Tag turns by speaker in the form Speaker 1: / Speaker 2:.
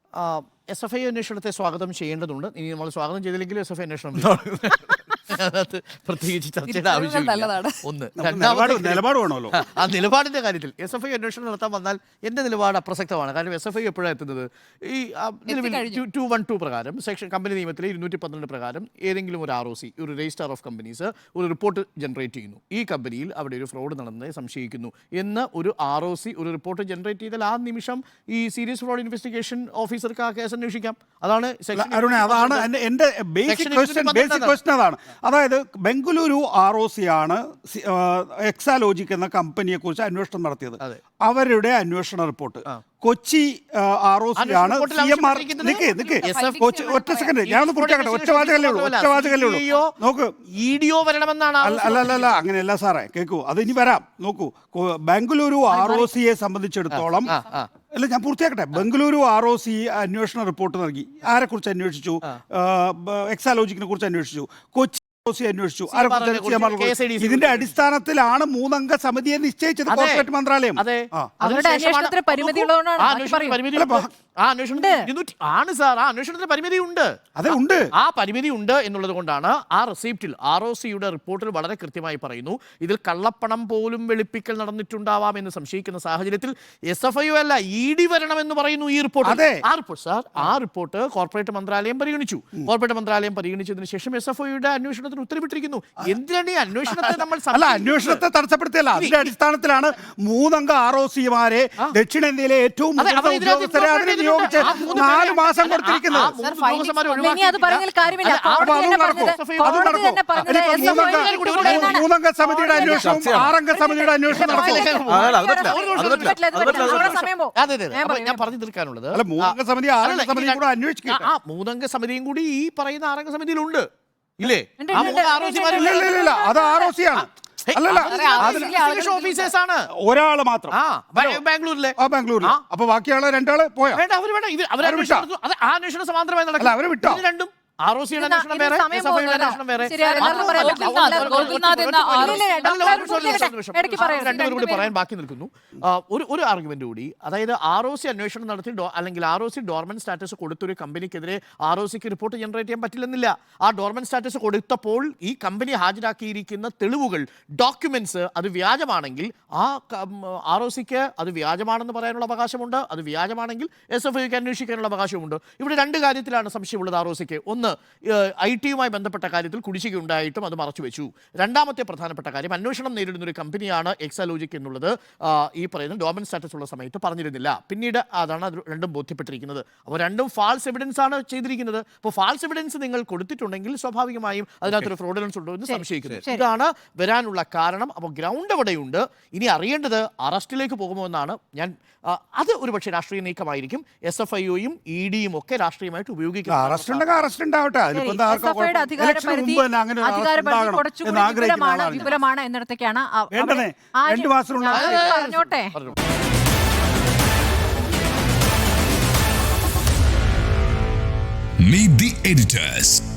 Speaker 1: SFI അന്വേഷണത്തെ സ്വാഗതം ചെയ്യേണ്ടതുണ്ട്. ഇനി നമ്മൾ സ്വാഗതം ചെയ്തില്ലെങ്കിലും SFI അന്വേഷണം അതിനകത്ത് പ്രത്യേകിച്ച് ചർച്ചയുടെ ആവശ്യമില്ല. ഒന്ന് ആ നിലപാടിന്റെ കാര്യത്തിൽ SFI അന്വേഷണം നടത്താൻ വന്നാൽ എന്റെ നിലപാട് അപ്രസക്തമാണ്. കാരണം SFI എപ്പോഴാണ് എത്തുന്നത്? ഈ നിലവിൽ 212 പ്രകാരം സെക്ഷൻ കമ്പനി നിയമത്തിലെ 212 പ്രകാരം ഏതെങ്കിലും ഒരു ROC, ഒരു രജിസ്ട്രാർ ഓഫ് കമ്പനീസ് ഒരു റിപ്പോർട്ട് ജനറേറ്റ് ചെയ്യുന്നു. ഈ കമ്പനിയിൽ അവിടെ ഒരു ഫ്രോഡ് നടന്നതായി സംശയിക്കുന്നു എന്ന് ഒരു ROC ഒരു റിപ്പോർട്ട് ജനറേറ്റ് ചെയ്താൽ ആ നിമിഷം ഈ സീരിയസ് ഫ്രോഡ് ഇൻവെസ്റ്റിഗേഷൻ ഓഫീസർക്ക് ആ കേസ് അന്വേഷിക്കാം. അതാണ്
Speaker 2: എന്റെ ബേസിക് ക്വസ്റ്റ്യൻ അതാണ്. അതായത് ബംഗളൂരു ROC ആണ് എക്സാലോജിക് എന്ന കമ്പനിയെ കുറിച്ച് അന്വേഷണം നടത്തിയത്. അവരുടെ അന്വേഷണ റിപ്പോർട്ട് കൊച്ചി ROC ആണ്. CMR ഒറ്റ സെക്കൻഡ് ഞാനൊന്ന് പൂർത്തിയാക്കട്ടെ. ഒറ്റവാചകല്ലേ ഉള്ളൂ. നോക്ക്, അല്ലല്ല അങ്ങനെയല്ല സാറേ, കേൾക്കൂ, അത് ഇനി വരാം. നോക്കൂ, ബംഗളൂരു ROCയെ സംബന്ധിച്ചിടത്തോളം അല്ല, ഞാൻ പൂർത്തിയാക്കട്ടെ. ബംഗളൂരു ROC അന്വേഷണ റിപ്പോർട്ട് നൽകി. ആരെക്കുറിച്ച് അന്വേഷിച്ചു? എക്സാലോജിക്കിനെ കുറിച്ച് അന്വേഷിച്ചു. കൊച്ചി അന്വേഷിച്ചു. ഇതിന്റെ അടിസ്ഥാനത്തിലാണ് 3 അംഗ സമിതിയെ നിശ്ചയിച്ചത് കോർപ്പറേറ്റ് മന്ത്രാലയം.
Speaker 1: ആ പരിമിതി ഉണ്ട് എന്നുള്ളത് കൊണ്ടാണ് ആ റെസിപ്റ്റിൽ ROCയുടെ റിപ്പോർട്ടിൽ വളരെ കൃത്യമായി പറയുന്നു, ഇതിൽ കള്ളപ്പണം പോലും വെളുപ്പിക്കൽ നടന്നിട്ടുണ്ടാവാം എന്ന് സംശയിക്കുന്ന സാഹചര്യത്തിൽ SFI അല്ല ED വരണമെന്ന് പറയുന്നു ഈ റിപ്പോർട്ട്. ആ റിപ്പോർട്ട് കോർപ്പറേറ്റ് മന്ത്രാലയം പരിഗണിച്ചു. കോർപ്പറേറ്റ് മന്ത്രാലയം പരിഗണിച്ചതിന് ശേഷം SFIയുടെ അന്വേഷണത്തിന് ഉത്തരവിട്ടിരിക്കുന്നു. എന്തിനാണ് ഈ അന്വേഷണത്തെ നമ്മൾ
Speaker 2: അന്വേഷണത്തെ തടസ്സപ്പെടുത്തിയല്ല, അതിന്റെ അടിസ്ഥാനത്തിലാണ് 3 അംഗ ROCമാരെ ദക്ഷിണേന്ത്യയിലെ ഏറ്റവും ഉദ്യോഗസ്ഥരെ നിയോഗിച്ച് 4 മാസം കൊടുത്തിരിക്കുന്നത്. 3 അംഗ സമിതിയുടെ അന്വേഷണം 6 അംഗ സമിതിയുടെ അന്വേഷണം
Speaker 1: ഞാൻ പറഞ്ഞു തീർക്കാനുള്ളത്
Speaker 2: 3 അംഗ സമിതി 6 അംഗ സമിതി കൂടെ അന്വേഷിക്കുക.
Speaker 1: 3 അംഗ സമിതിയും കൂടി ഈ പറയുന്ന 6 അംഗ സമിതിയിലുണ്ട് ഇല്ലേ?
Speaker 2: അത് ROC ആണ്. ഒരാള് മാത്രം
Speaker 1: ബാംഗ്ലൂരിലെ.
Speaker 2: അപ്പൊ ബാക്കിയുള്ള 2 ആള് പോയാ
Speaker 1: അന്വേഷണം സമാന്തരമായി നടക്കില്ല. അവര് വിട്ടോ രണ്ടും ROCയുടെ അന്വേഷണം വേറെ, SFIയുടെ അന്വേഷണം വേറെ. രണ്ടുപേരും കൂടി പറയാൻ ബാക്കി നിൽക്കുന്നു. ഒരു ആർഗ്യുമെന്റ് കൂടി, അതായത് ROC അന്വേഷണം നടത്തി അല്ലെങ്കിൽ ROC ഡോർമെന്റ് സ്റ്റാറ്റസ് കൊടുത്തൊരു കമ്പനിക്കെതിരെ ROCക്ക് റിപ്പോർട്ട് ജനറേറ്റ് ചെയ്യാൻ പറ്റില്ലെന്നില്ല. ആ ഡോർമെന്റ് സ്റ്റാറ്റസ് കൊടുത്തപ്പോൾ ഈ കമ്പനി ഹാജരാക്കിയിരിക്കുന്ന തെളിവുകൾ, ഡോക്യുമെന്റ്സ് അത് വ്യാജമാണെങ്കിൽ ആ ROCക്ക് അത് വ്യാജമാണെന്ന് പറയാനുള്ള അവകാശമുണ്ട്. അത് വ്യാജമാണെങ്കിൽ SFIക്ക് അന്വേഷിക്കാനുള്ള അവകാശമുണ്ട്. ഇവിടെ 2 കാര്യത്തിലാണ് സംശയമുള്ളത് ROCക്ക്. ഒന്ന്, IT-യുമായി ബന്ധപ്പെട്ട കാര്യത്തിൽ കുടിശ്ശിക ഉണ്ടായിട്ടും അത് മറച്ചുവെച്ചു. രണ്ടാമത്തെ പ്രധാനപ്പെട്ട കാര്യം, അന്വേഷണം നേരിടുന്ന ഒരു കമ്പനിയാണ് എക്സാലോജിക് എന്നുള്ളത് ഈ പറയുന്ന ഡോർമെന്റ് സ്റ്റാറ്റസ് ഉള്ള സമയത്ത് പറഞ്ഞിരുന്നില്ല. പിന്നീട് അതാണ് അത് രണ്ടും ബോധ്യപ്പെട്ടിരിക്കുന്നത്. അപ്പോൾ രണ്ടും ഫാൾസ് എവിഡൻസ് ആണ് ചെയ്തിരിക്കുന്നത്. അപ്പോൾ ഫാൾസ് എവിഡൻസ് നിങ്ങൾ കൊടുത്തിട്ടുണ്ടെങ്കിൽ സ്വാഭാവികമായും അതിനകത്തൊരു ഫ്രോഡുലൻസ് ഉണ്ടോ എന്ന് സംശയിക്കുന്നു. ഇതാണ് വരാനുള്ള കാരണം. അപ്പോൾ ഗ്രൗണ്ട് എവിടെയുണ്ട്? ഇനി അറിയേണ്ടത് അറസ്റ്റിലേക്ക് പോകുമോ എന്നാണ്. അത് ഒരു പക്ഷേ രാഷ്ട്രീയ നീക്കമായിരിക്കും. SFIയും EDയും ഒക്കെ രാഷ്ട്രീയമായിട്ട് ഉപയോഗിക്കും.
Speaker 3: വിപുലമാണ് എന്നിടത്തേക്കാണ് പറഞ്ഞോട്ടെ.
Speaker 4: Meet the editors.